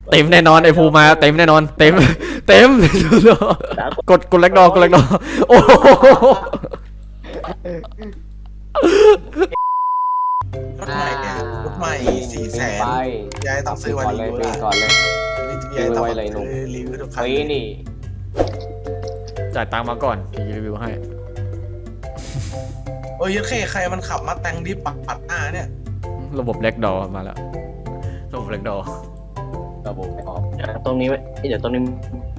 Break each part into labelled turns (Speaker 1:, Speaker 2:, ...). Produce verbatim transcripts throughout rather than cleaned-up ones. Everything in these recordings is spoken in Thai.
Speaker 1: เต็มแน่นอนไอ้ภูมาเต็มแน่นอนเต็มเต็มกดกดแลกดอกดแลกดอโอ้
Speaker 2: รถใหม่เนี่ยรถใหม่สี่แสนยายต้องซื้อวันนี้ด้วย
Speaker 3: ก่อนเลย
Speaker 2: ยายต้องซื้อรีวิวทุกคัน
Speaker 3: ปีนี่
Speaker 1: จ่ายตังค์มาก่อนพี่รีวิวให้
Speaker 2: โอ้ยยัดเข้ใครมันขับมาแต่งดิปัดปัดหน้าเนี่ย
Speaker 1: ระบบแลกดอมาแล้วระบบแลกดอ
Speaker 3: ระบบไม่ออก
Speaker 4: ตรงนี้ไว้เดี๋ยวตรงนี้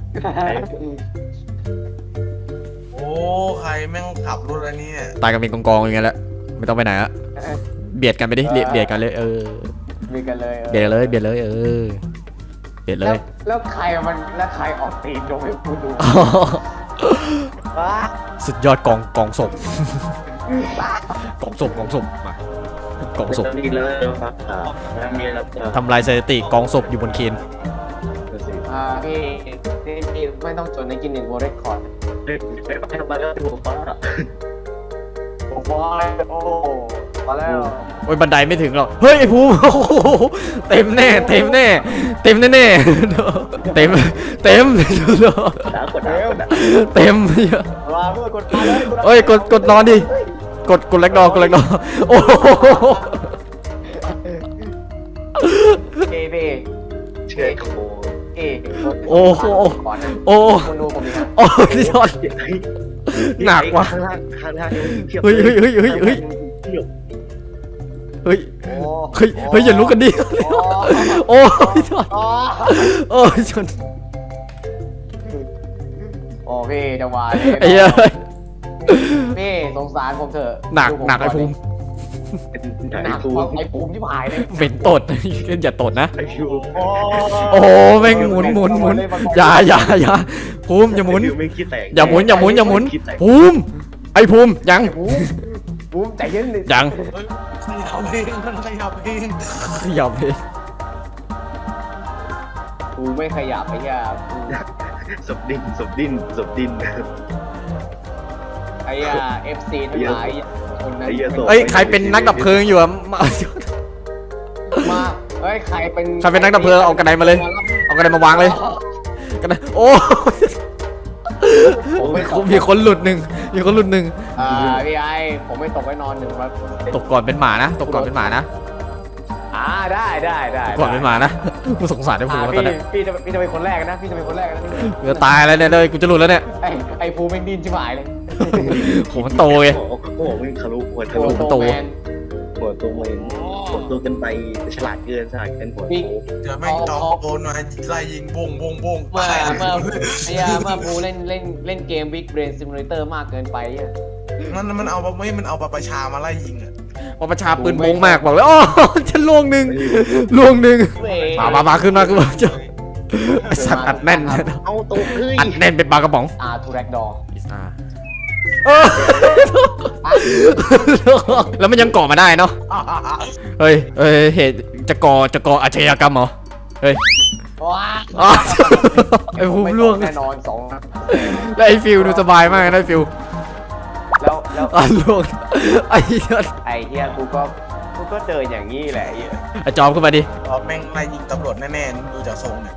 Speaker 2: โอ้ใครแม่งขับรถอันนี้เนี่ย
Speaker 1: ตายกันเป็นกองๆอย่างเงี้ยแหละไม่ต้องไปไหนอะเบียดกันไปดิเบียดกันเลยเออ
Speaker 3: มีกันเลย
Speaker 1: เบียดเลยเบียดเลยเออเบียดเลย
Speaker 3: แล้วใครมันแล้วใครออกตีนลงให้กูดู
Speaker 1: สุดยอดกองกองศพกองศพกองศพมากองศพ
Speaker 4: ตรงนี้เลยครับอ่าแล้วมีแล้ว
Speaker 1: ทำลายสถิติกองศพอยู่บนเคน
Speaker 3: อ่าพี่พี่พี่ไม่ต้องจดในกินหนึ่งโวเรคคอร์ด
Speaker 4: เด็กเด็กไปทำมาแล้วถูกฟ้า
Speaker 3: โอ้โหโอ้มาแล้ว
Speaker 1: โอ้ยบันไดไม่ถึงหรอกเฮ้ยไอ้ภูมิโอ้โหเต็มแน่เต็มแน่เต็มแน่แน่เต็มเต็ม
Speaker 4: ดาวกดดาวกดดาว
Speaker 1: เต็ม
Speaker 3: มาเพื่อกดมาเลย
Speaker 1: เอ้ยกดกดนอนดิกดกดแลกดอกดแลกดอโอ้โห
Speaker 3: เอพี่
Speaker 4: เชื่อโค
Speaker 3: เอ
Speaker 1: โอ้โห
Speaker 3: ก่อนนะ
Speaker 1: โอ้
Speaker 3: คุณดูผมดิครับ
Speaker 1: โอ้ยยอดหนักว่ะ
Speaker 4: ข้างล่างข้างล่าง
Speaker 1: เฮ้ยเฮ้ยเฮ้ยเฮ้ยเฮ้ยเฮ้ย
Speaker 3: โอ้
Speaker 1: เฮ้ยเฮ้ยอย่าลุกกันดิโอ้ยชน
Speaker 3: อ๋อ
Speaker 1: โอ้ยชน
Speaker 3: โอ้พี่จังหวะ
Speaker 1: ไอ้เหี้ย
Speaker 3: พี่สงสารผมเถอะ
Speaker 1: หนักหนักไอ้ภูมิ
Speaker 3: หนักไอ้ภูมิที่หายเลย
Speaker 1: เป็นตดอย่าตดนะ
Speaker 4: ไอ้ยู
Speaker 1: โอ้โหแม่งหมุนหมุนหมุนอย่าอย่าอย่าภูมิอย่าหมุน
Speaker 4: ไม่คิดแตก
Speaker 1: อย่าหมุนอย่าหมุนอย่าหมุนภูมิไอ้ภูมิยัง
Speaker 3: ภูมิภูมิใจเย็นดิ
Speaker 1: ยัง
Speaker 2: เฮ้ยขยับเองมันขยับเอง
Speaker 1: ขยับเลย
Speaker 3: ภูมิไม่ขยับไอ้เหี้ยภูมิ
Speaker 4: ศพดินศพดินศพดิน
Speaker 3: ไอ้เหี้ยเอฟซีทั้งหลายคนนั้น
Speaker 1: เอ้ยใครเป็นนักดับเพลิงอยู่อะมา
Speaker 3: มาเฮ้ยใครเป็น
Speaker 1: ใครเป็นนักดับเพลิงเอากระไดมาเลยเอากระไดมาวางเลยกระไดโอ้มีคนหลุดหนึ่งมีคนหลุดหนึ่ง
Speaker 3: อ่าพี่ไอผมไม่ตกไว้นอนหนึ่งครับ
Speaker 1: ตกก่อนเป็นหมานะตกก่อนเป็นหมานะ
Speaker 3: อ่าได้ได้ได้
Speaker 1: ก่อนเป็นหมานะกูสงสารไอ้ภู
Speaker 3: อ่า
Speaker 1: มิตอน
Speaker 3: พี่
Speaker 1: เนี้ย
Speaker 3: พี่จะพี่จะเป็นคนแรกนะพี่จะเป็นคนแรกนะ
Speaker 1: กูจะตายแล้วเนี่ยเลยกูจะหลุดแล้วเนี่ย
Speaker 3: ไอ้ไอ้ภูมิแม่งดินชิบหายเลย
Speaker 1: โหมันโตไง
Speaker 4: โอ้โหมันทะลุหัวทะ
Speaker 3: โอ้
Speaker 4: ลุ
Speaker 3: โตแมน
Speaker 4: หัวตัวเองหัวตัวกันไปฉลาดเกินฉลาดเกินหัวโต
Speaker 2: เดี๋ยวแม่งจอโดนมาไล่ยิงบงบงบง
Speaker 3: เมื่อเมื่อไอ้ยาเมื่อภูเล่นเล่นเล่นเกม Big Brain Simulator มากเกินไปอ่ะ
Speaker 2: มันมันเอาไม่มันเอาปะประชามาไล่ยิงอ่ะ
Speaker 1: ว่าประชาปืนโมงมากบอกเลยอ๋อฉันล่วงหนึ่งล่วงหนึ่งมามามาขึ้นมาขึ้นมาเจ้าสัตว์อัดแน่น
Speaker 4: เอาตัวเฮ้ย
Speaker 1: อัดแน่นเป็นปลากระป๋อง
Speaker 3: อาทูแรกดอ
Speaker 1: แล้วมันยังก่อมาได้เนาะเฮ้ยเฮ้ยเหตุจะก่อจะก่ออาชญากรรมเหรอเฮ้ย
Speaker 3: ว้า
Speaker 1: ไอ้ภูมิล่วง
Speaker 3: แน่นอนสองนะ
Speaker 1: แล้วไอ้ฟิวดูสบายมากนะไอ้ฟิว
Speaker 3: แล้วแล้ว
Speaker 1: อ่ะล่วงไอ้เหี้ย
Speaker 3: ไอ้เฮียกูก็กูก็เจออย่างนี้แหละไอ้เฮีย
Speaker 1: ไอ้จอมขึ้นมาดิ
Speaker 2: เอาแม่งไล่ยิงตำรวจแน่ๆดูจากทรงเนี่ย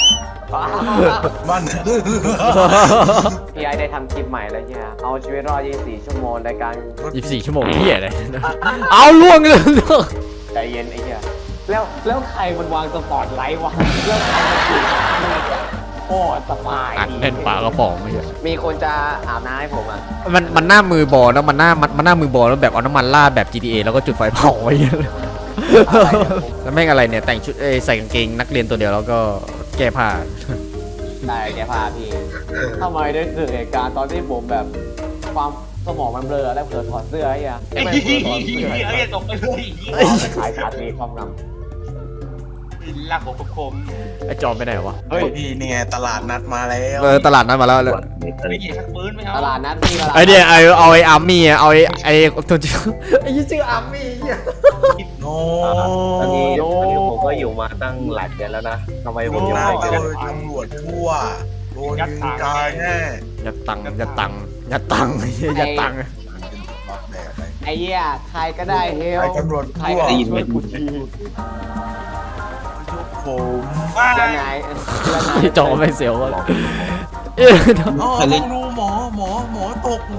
Speaker 2: มัน
Speaker 3: พี่ไอได้ทำคลิปใหม่แล้วเฮียเอาชีวิตรอดยี่สิบสี่ชั่วโมงในการ
Speaker 1: ยี่สิบสี่ชั่วโมงเหี้ยเลยเอาล่วงเลยล่วง
Speaker 3: ใจเย็นไอ้เฮียแล้วแล้วใครมันวางสปอตไลท์วะแล้วใครมันถือโอ้สบาย
Speaker 1: อัดแน่นปลากระป๋องไม่ใช่
Speaker 3: มีคนจะอาบน้ำให้ผมอ่ะ
Speaker 1: มันมันหน้ามือบอลแล้วมันหน้ามันมันหน้ามือบอลแล้วแบบเอาน้ำมันราดแบบ จี ที เอ แล้วก็จุดไฟเผาไว้แล้วแม่งอะไรเนี่ยแต่งชุดเอ้ยใส่กางเกงนักเรียนตัวเดียวแล้วก็แก้ผ้า
Speaker 3: ได้แกพาพี่ทำไมได้เกิดเหตุการณ์ตอนที่ผมแบบความสมองมันเบลอแล้วเกิดถอดเสื้อไอ้เหี้ยไม่เผลอถอดเสื้อ
Speaker 5: เอ้ยตกไปเลย
Speaker 3: ขายชาตรีความน
Speaker 5: ลากหัวคม
Speaker 1: ไอ้จอมไปไหนวะ
Speaker 2: เฮ้ยพี่นี่ไงตลาดนัดมาแล้ว
Speaker 1: เออตลาดนั้นมาแล้ว
Speaker 5: ๆไม่เห็นชักปืนไหมค
Speaker 3: ำ
Speaker 5: รับ
Speaker 3: ตลาดนัดพี่ตลาด
Speaker 1: ไอเดียไอเอาไออาร์มี่เอาไอไอตัวชื่อไอ้ชื่ออาร์มี่
Speaker 2: โน้
Speaker 4: ตอนนี้ตอนนี้ผมก็อยู่มาตั้งหลายเดือนแล้วนะทำไมผม
Speaker 2: โน้
Speaker 4: ยัง
Speaker 2: น่า
Speaker 4: ไม่
Speaker 2: เจ
Speaker 4: เจ
Speaker 2: อ
Speaker 4: อ
Speaker 2: ตำรวจทั่วโดนยิงตายแน่
Speaker 1: ยัดตังยัดตังยัดตังยัดตัง
Speaker 2: รับแบบไป
Speaker 3: ไอ้เหี้ยใครก็ได้เฮล
Speaker 2: ไอ้ตำรวจ
Speaker 3: ใคร
Speaker 2: ทั่ว
Speaker 3: ก็ได้ช่วยกูที
Speaker 2: ยกค
Speaker 5: ว้า
Speaker 3: แล้ว
Speaker 5: ย
Speaker 3: นายแล้วนาย
Speaker 1: ที่จอไม่เสียวเลยเอ๊ะ
Speaker 2: อ๋อต้องดูหมอหมอหมอตก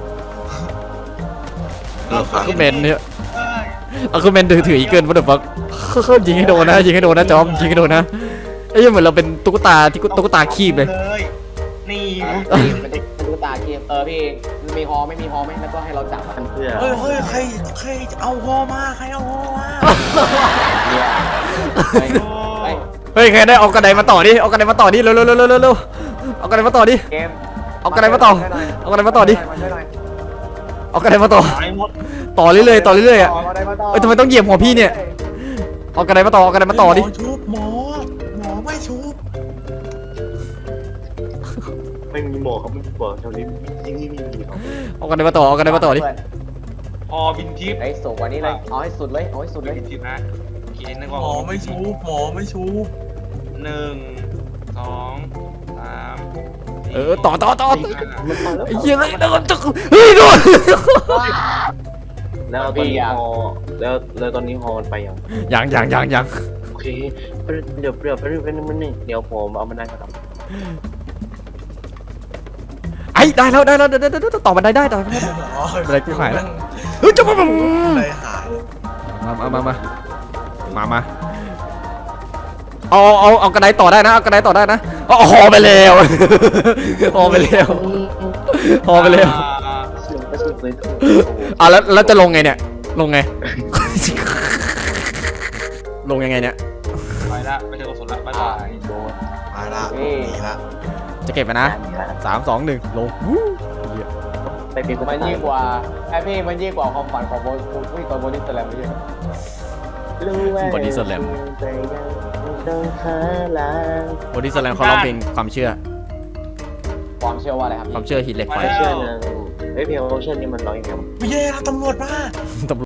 Speaker 1: อะคูเมนเนี่ย
Speaker 5: เอ้ย
Speaker 1: อะคูเมนถือถืออีเกิลวัตถุฟักยิงให้โดนนะยิงให้โดนนะจอมยิงให้โดนนะเอ้ยเหมือนเราเป็นตุ๊กตาที่ตุ๊กตาคีบเลย
Speaker 5: นี่
Speaker 3: เป็นตุ๊กตาเกมเออพี่มีฮอไม่มีฮอไหมแล้วก็ให้เราจับมัน
Speaker 4: เพื่อ
Speaker 2: เฮ้ยเฮ้ยใครใครเอาฮอมาใครเอาฮอมา
Speaker 3: เนี่ยเฮ้ยเฮ้ย
Speaker 1: เฮ้ยใครได้เอากระไดมาต่อดิเอากระไดมาต่อดิเร็วเร็วเร็วเร็วเร็วเอากระไดมาต่อดิ
Speaker 3: เกม
Speaker 1: เอากระไดมาต่อเอากระไดมาต่อดิ
Speaker 3: มาช่วยหน่อย
Speaker 1: เอากระไดมาต่อ
Speaker 5: หายหมด
Speaker 1: ต่อเรื่อยๆต่อเรื่อยๆอ่ะ
Speaker 3: เอากระไดมาต่อ
Speaker 1: เอ้ยทำไมต้องเหยียบหัวพี่เนี่ยเอากระไดมาต่อเอากระไดมาต่อดิ
Speaker 2: หมอชุบหมอหมอไม่ชุบ
Speaker 4: ไม่มีหมอเขาไม่มีหมอแถวนี้ที่นี่ไม่มีหรอก
Speaker 1: เอากระไดมาต่อเอากระไดมาต่อดิ
Speaker 5: พอบินทิพย์
Speaker 3: ไอ้สูงกว่านี้เลยเอาให้สุดเลยเอาให้สุดเลย
Speaker 5: บินทิพย์นะโอเคนึก
Speaker 2: หม
Speaker 5: ว่า
Speaker 2: อไม่ชุบหมอไม่ชุบ
Speaker 5: หนึ่งสองสาม
Speaker 1: เออต่อต่อต่อ
Speaker 5: สี่ห้า
Speaker 1: ไอ้เหี้ยเลยโดนเฮ้ยโดน
Speaker 4: แล้วตอนนี้ฮอแล้วแล้วตอนนี้ฮอมันไปยัง
Speaker 1: ยังยังยังยัง
Speaker 4: โอเคเดี๋ยวเดี๋ยวไปเรื่อยๆมันนี่เดี๋ยวผมเอามันได้ครับ
Speaker 1: ไอ้ได้แล้วได้แล้วเดี๋ยวเดี๋ยวเดี๋ยวต่อบันไดได้ต่อบันไดได้
Speaker 2: อ๋อ
Speaker 1: อะไรกูหายแล้ว เฮ้ยจะมา
Speaker 2: อะไรหาย
Speaker 1: มามามามามามาเอาเอาเอากระไดต่อได้นะเอากระไดต่อได้นะเอาหอไปแล้วหอไปแล้วหอไปแล้ว
Speaker 5: อ่า
Speaker 4: เสียงกระสุนเลยโอ้โห
Speaker 1: อ่ะแล้วแล้วจะลงไงเนี่ยลงไง ลงยังไงเนี่ย
Speaker 5: ไปละไม่ใช่กระสุนละบ๊ายบาย
Speaker 3: โดน
Speaker 2: มาละหนีละ
Speaker 1: จะเก็บไปนะสามสองหนึ่งลงวู้เหี้ย
Speaker 4: ไปเป็นคน
Speaker 3: มันยิ่งกว่าไอ้พี่มันยิ่งกว่าความฝันของโบผู้ตอนโบนิ่งแสลมไม่ใช่
Speaker 1: บอดี้สแลม
Speaker 4: ต้องหาลาง
Speaker 1: บอดี้สแลมเขาร้องเพลงความเชื่อ
Speaker 3: ความเชื่อว่าอะไรครับ
Speaker 1: ความเชื่อหินเหล็กไฟ
Speaker 4: เชื่อนึงเฮ้ยเพลงโอเชียนนี่มันร้องยังไงวะ
Speaker 2: ไม่แย่ตำรวจมา
Speaker 1: ตำ